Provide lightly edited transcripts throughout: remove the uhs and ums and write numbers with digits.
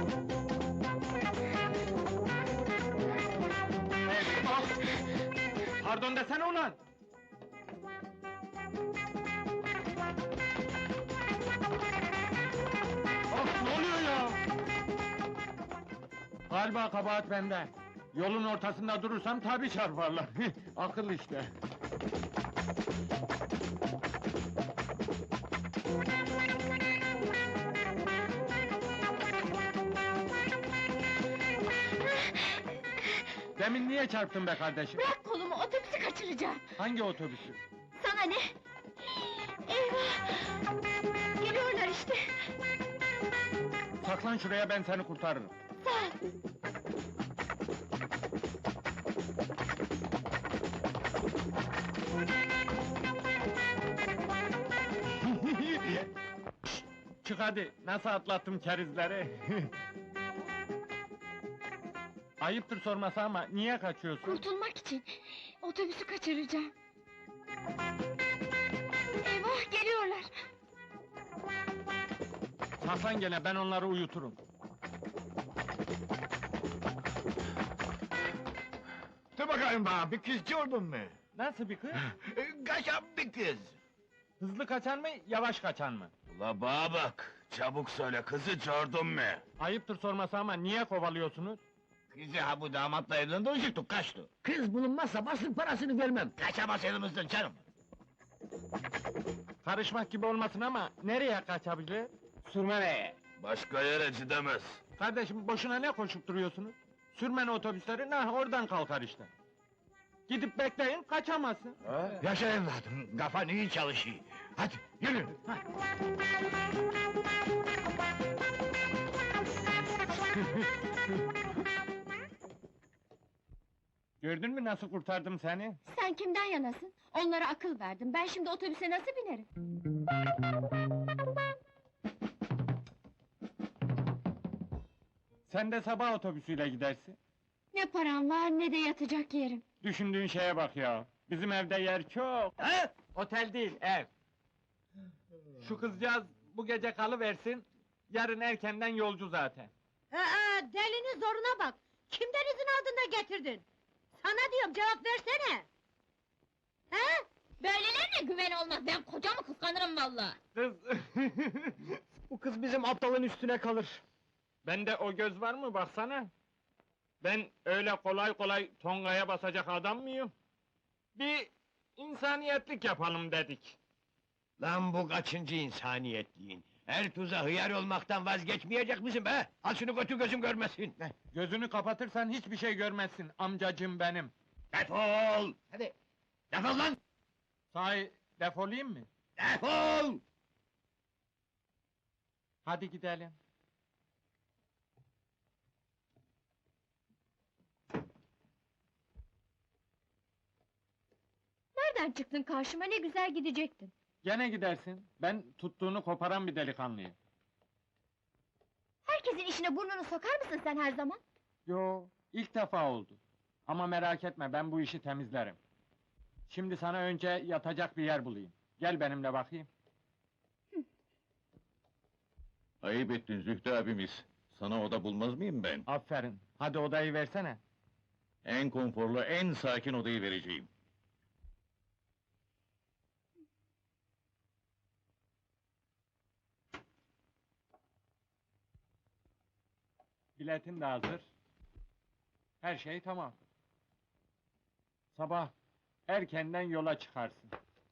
Pardon desene ulan! Of, ne oluyor ya? Galiba kabahat bende. Yolun ortasında durursam tabii çarparlar. Akıl işte. Demin niye çarptın be kardeşim? Bırak kolumu, otobüsü kaçıracağım! Hangi otobüsü? Sana ne? Eyvah! Geliyorlar işte! Saklan şuraya, ben seni kurtarırım. Sağ ol! Çık hadi, nasıl atlattım kerizleri? Ayıptır sorması ama niye kaçıyorsun? Kurtulmak için! Otobüsü kaçıracağım! Eyvah, geliyorlar! Saklan gene, ben onları uyuturum. Dur bakayım bana, bir kız gördün mü? Nasıl bir kız? Kaçan bir kız! Hızlı kaçan mı, yavaş kaçan mı? Ula bana bak, çabuk söyle, kızı gördün mü? Ayıptır sorması ama niye kovalıyorsunuz? Kızı ha bu damatla evlendirecektik, kaçtı. Kız bulunmazsa basın parasını vermem. Kaçamaz elimizden canım! Karışmak gibi olmasın ama nereye kaçabilir? Sürmeneye. Başka yere gidemez. Kardeşim boşuna ne koşup duruyorsunuz? Sürmen otobüsleri, oradan kalkar işte. Gidip bekleyin, kaçamazsın. Yaşa evladım, kafan iyi çalışıyor. Hadi, yürü! Gördün mü nasıl kurtardım seni? Sen kimden yanasın? Onlara akıl verdim, ben şimdi otobüse nasıl binerim? Sen de sabah otobüsüyle gidersin. Ne param var, ne de yatacak yerim! Düşündüğün şeye bak ya. Bizim evde yer çok. He? Otel değil, ev. Şu kızcağız bu gece kalıversin, yarın erkenden yolcu zaten. Delinin zoruna bak! Kimden izin aldın da getirdin? Sana diyorum, cevap versene! He? Böylelerine güven olmaz, ben kocamı kıskanırım vallahi! Kız... Bu kız bizim aptalın üstüne kalır. Bende o göz var mı baksana? Ben öyle kolay kolay tongaya basacak adam mıyım? Bir insaniyetlik yapalım dedik. Lan bu kaçıncı insaniyetliğin? Her tuza hıyar olmaktan vazgeçmeyecek misin be? Al şunu götür gözüm görmesin! Gözünü kapatırsan hiçbir şey görmezsin amcacım benim. Defol! Hadi! Defol lan! Sahi defolayım mı? Defol! Hadi gidelim. Nereden çıktın karşıma, ne güzel gidecektin! Gene gidersin. Ben tuttuğunu koparan bir delikanlıyım. Herkesin işine burnunu sokar mısın sen her zaman? Yo, ilk defa oldu. Ama merak etme, ben bu işi temizlerim. Şimdi sana önce yatacak bir yer bulayım. Gel benimle bakayım. Ayıp ettin Zühtü abimiz. Sana oda bulmaz mıyım ben? Aferin. Hadi odayı versene. En konforlu, en sakin odayı vereceğim. Biletin de hazır. Her şey tamam. Sabah erkenden yola çıkarsın.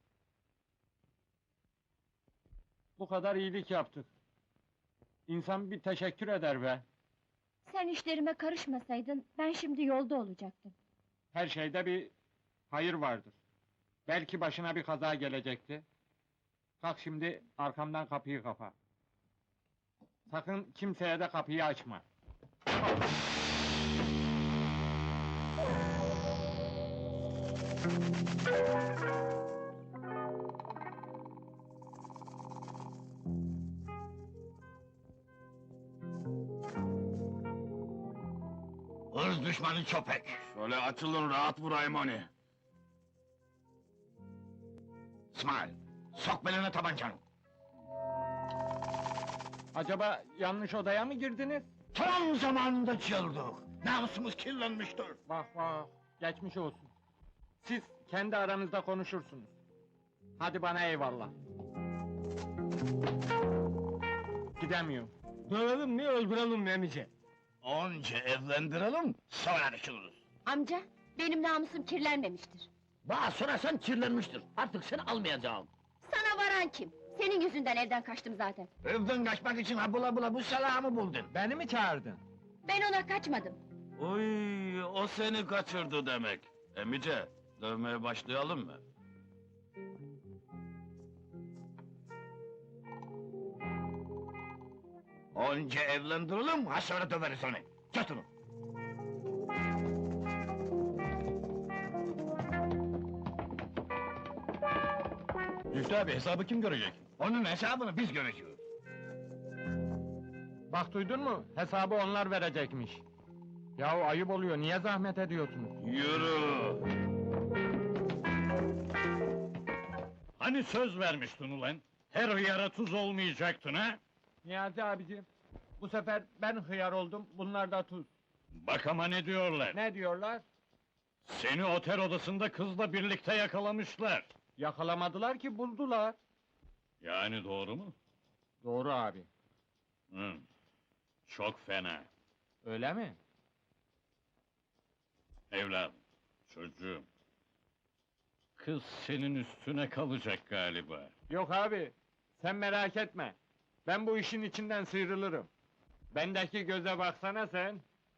Bu kadar iyilik yaptık. İnsan bir teşekkür eder be. Sen işlerime karışmasaydın, ben şimdi yolda olacaktım. Her şeyde bir hayır vardır. Belki başına bir kaza gelecekti. Kalk şimdi arkamdan kapıyı kapa. Sakın kimseye de kapıyı açma. Hırs düşmanı köpek! Şöyle açılın, rahat vurayım onu! İsmail, sok beline tabancanı! Acaba yanlış odaya mı girdiniz? Tam zamanında çıldık. Namusumuz kirlenmiştir. Bak bak, geçmiş olsun. Siz kendi aranızda konuşursunuz. Hadi bana eyvallah. Gidemiyorum. Dövelim mi öldürelim mi emice? Önce evlendirelim, sonra düşünürüz. Amca, benim namusum kirlenmemiştir. Bana sorarsan kirlenmiştir. Artık seni almayacağım. Sana varan kim? Senin yüzünden evden kaçtım zaten. Evden kaçmak için ha bula bula bu salağı mı buldun? Beni mi çağırdın? Ben ona kaçmadım. Oy, o seni kaçırdı demek. Emice, dövmeye başlayalım mı? Önce evlendirelim, ha sonra döveriz onu. Tut onu. Zühtü abi, hesabı kim görecek? Onun hesabını biz göreceğiz. Bak duydun mu? Hesabı onlar verecekmiş. Yahu ayıp oluyor, niye zahmet ediyorsunuz? Yürü! Hani söz vermiştin ulan? Her hıyara tuz olmayacaktın ha? Niyazi abicim, bu sefer ben hıyar oldum, bunlar da tuz. Bak ama ne diyorlar? Ne diyorlar? Seni otel odasında kızla birlikte yakalamışlar. Yakalamadılar ki, buldular. Yani doğru mu? Doğru abi. Hı. Çok fena. Öyle mi? Evladım, çocuğum. Kız senin üstüne kalacak galiba. Yok abi, sen merak etme. Ben bu işin içinden sıyrılırım. Bendeki göze baksana sen.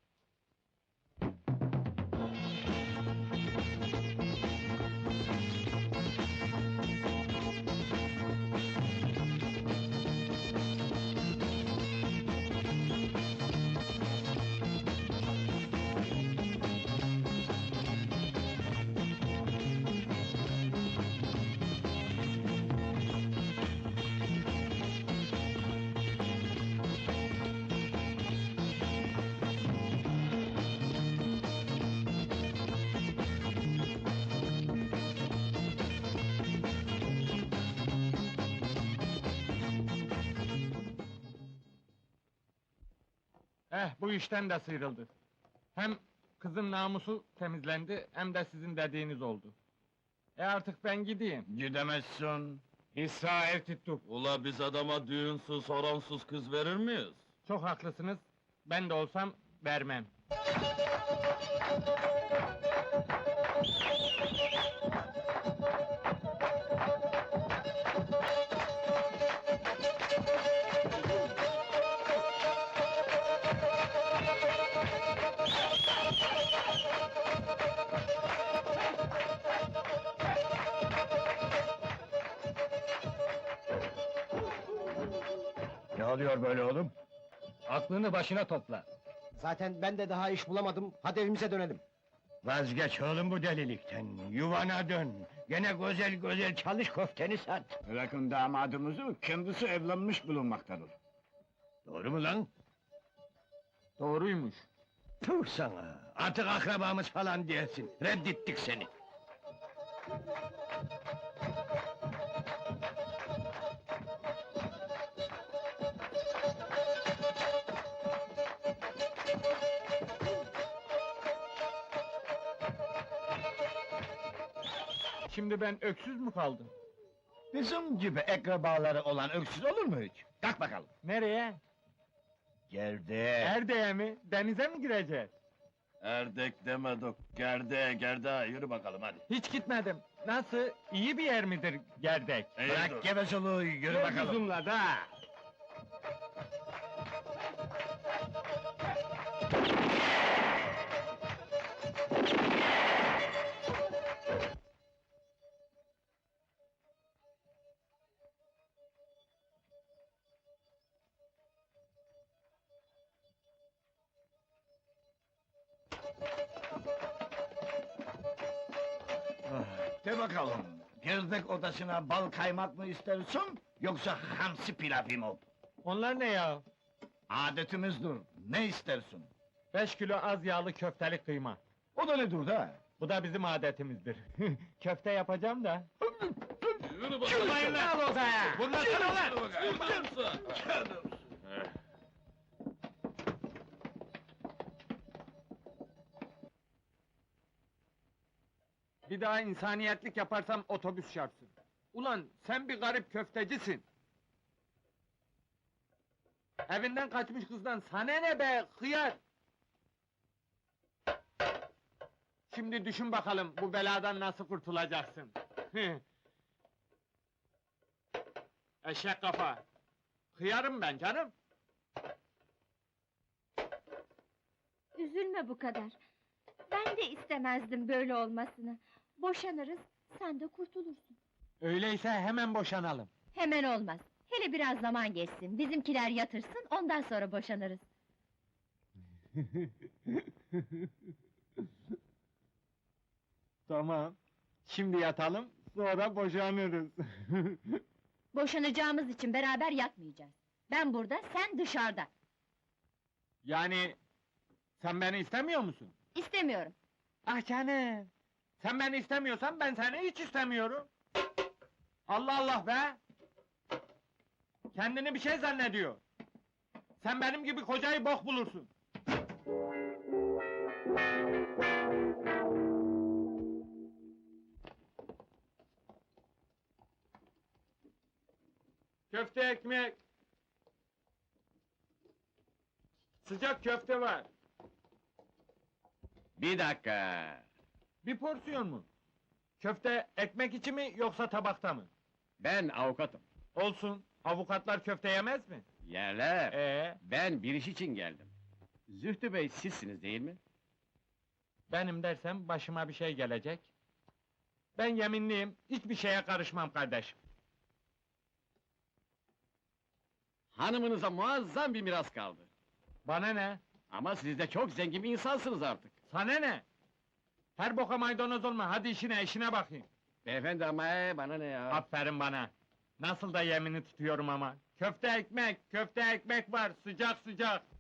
Bu işten de sıyrıldı. Hem kızın namusu temizlendi, hem de sizin dediğiniz oldu. Artık ben gideyim. Gidemezsin. İsra ev tuttuk. Ula biz adama düğünsüz, horonsuz kız verir miyiz? Çok haklısınız. Ben de olsam vermem. Ne oluyor böyle oğlum? Aklını başına topla. Zaten ben de daha iş bulamadım. Hadi evimize dönelim. Vazgeç oğlum bu delilikten, yuvana dön. Gene güzel güzel çalış köfteni sat. Bırakın damadımızı, kendisi evlenmiş bulunmaktadır. Doğru mu lan? Doğruymuş. Puh sana! Artık akrabamız falan değilsin, reddettik seni. Şimdi ben öksüz mü kaldım? Bizim gibi akrabaları olan öksüz olur mu hiç? Kalk bakalım. Nereye? Gerdeğe. Erdeğe mi? Denize mi gireceğiz? Erdek demedik, gerde, yürü bakalım hadi. Hiç gitmedim. Nasıl? İyi bir yer midir Gerdek? Bırak gevezeliği, yürü bakalım. Uzunla da. De bakalım, gerdek odasına bal kaymak mı istersin, yoksa hamsi pilavı mı? Onlar ne ya? Adetimizdir, ne istersin? 5 kilo az yağlı köfteli kıyma. O da nedir da? Bu da bizim adetimizdir. Köfte yapacağım da. Yürü bakalım. Al odaya! Vurmasana ulan! Vurmamsa! Bir daha insaniyetlik yaparsam otobüs çarpsın. Ulan sen bir garip köftecisin. Evinden kaçmış kızdan sana ne be hıyar! Şimdi düşün bakalım bu beladan nasıl kurtulacaksın. Eşek kafa! Hıyarım ben canım! Üzülme bu kadar. Ben de istemezdim böyle olmasını. Boşanırız, sen de kurtulursun. Öyleyse hemen boşanalım. Hemen olmaz. Hele biraz zaman geçsin, bizimkiler yatırsın, ondan sonra boşanırız. Tamam. Şimdi yatalım, sonra boşanırız. Boşanacağımız için beraber yatmayacağız. Ben burada, sen dışarıda. Yani... Sen beni istemiyor musun? İstemiyorum. Ah canım! Sen beni istemiyorsan ben seni hiç istemiyorum. Allah Allah be! Kendini bir şey zannediyor. Sen benim gibi kocayı bok bulursun. Köfte ekmek. Sıcak köfte var. Bir dakika. Bir porsiyon mu? Köfte ekmek içi mi yoksa tabakta mı? Ben avukatım. Olsun. Avukatlar köfte yemez mi? Yerler. Ben bir iş için geldim. Zühtü Bey sizsiniz değil mi? Benim dersem başıma bir şey gelecek. Ben yeminliyim, hiçbir şeye karışmam kardeşim. Hanımınıza muazzam bir miras kaldı. Bana ne? Ama siz de çok zengin bir insansınız artık. Sana ne? Her boka maydanoz olma, hadi işine bakayım. Beyefendi ama bana ne ya? Aferin bana. Nasıl da yemini tutuyorum ama. Köfte ekmek var, sıcak sıcak.